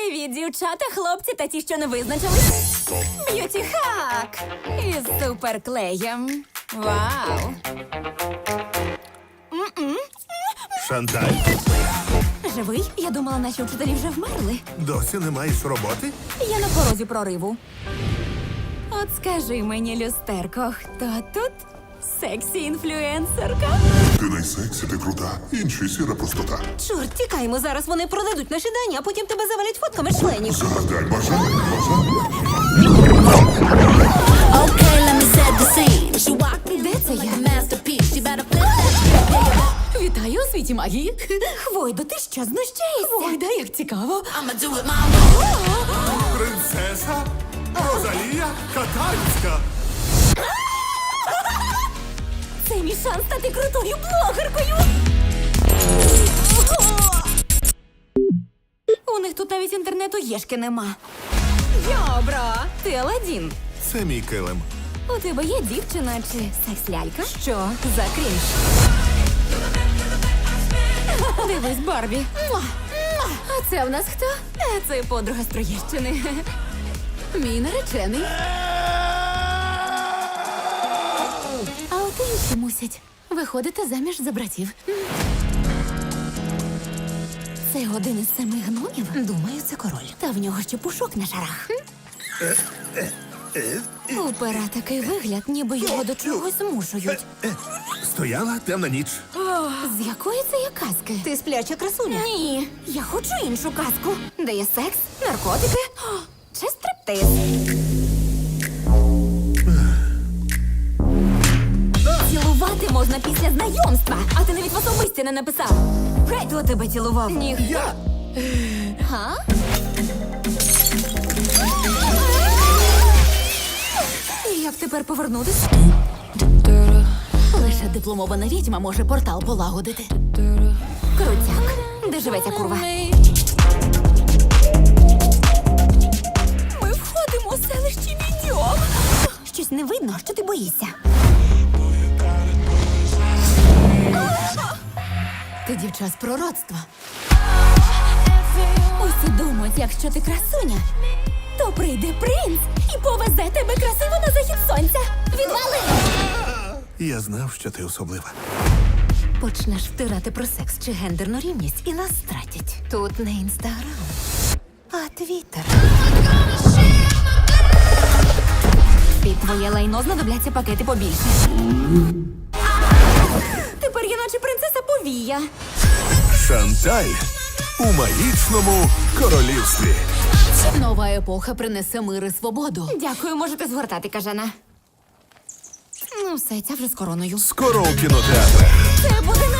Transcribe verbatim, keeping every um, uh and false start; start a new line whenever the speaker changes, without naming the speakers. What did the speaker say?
Привіт, дівчата, хлопці та ті, що не визначились. Б'юті хак із суперклеєм. Вау!
Шанталь,
Живий? Я думала, наші вчителі вже вмерли.
досі не маєш роботи?
Я на порозі прориву. От скажи мені, люстерко, хто тут сексі-інфлюенсерка?
Ти найсексі, ти крута. Інші сіра простота.
Чорт, тікаємо, зараз вони продадуть наші дані, а потім тебе завалять фотками членів.
Загадай бажання, бажання.
Okay, let me set the scene. She walked
Де це я?
masterpiece. She better flip that.
Вітаю у світі магії. Хвойдо, ти що, знущаєшся? Хвойда, як цікаво.
I'ma do it my way.
Принцеса Розалія Катальська.
Це мій шанс стати крутою блогеркою. У них тут навіть інтернету єшки нема. Йобро, ти Аладдін.
Це мій килим.
У тебе є дівчина чи секс-лялька? Що за крінж? Дивись, Барбі. Муа! Муа! А це в нас хто? Е, Це подруга з Троєщини. Мій наречений. А от інші мусять виходити заміж за братів. Це один із семи гномів? Думаю, це король. Та в нього ще пушок на шарах. У пера такий вигляд, ніби його до чогось змушують.
Стояла темна ніч.
З якої це є казки? Ти спляча красуня? Ні, я хочу іншу казку. Де є секс, наркотики о, чи стриптиз. Цілувати можна після знайомства, а ти навіть в особисті не написав. Хто тебе цілував? Ніхто.
Я!
Га? І як тепер повернутися? Лише дипломована відьма може портал полагодити. Крутяк. Де живе ця курва? Ми входимо у селище Відьом. Щось не видно, що ти боїшся. Ти дівча з пророцтва. Усі думають, якщо ти красуня, то прийде принц і повезе тебе красиво на захід сонця. Відвали!
Я знав, що ти особлива.
Почнеш втирати про секс чи гендерну рівність і нас стратять. Тут не інстаграм, а твіттер. Під твоє лайно знадобляться пакети побільше. Тепер я наче принцеса повія.
Шанталь у магічному королівстві.
Нова епоха принесе мир і свободу. Дякую, можете згортати, кажана. Ну все, ця вже з короною.
Скоро у кінотеатрах.
Це буде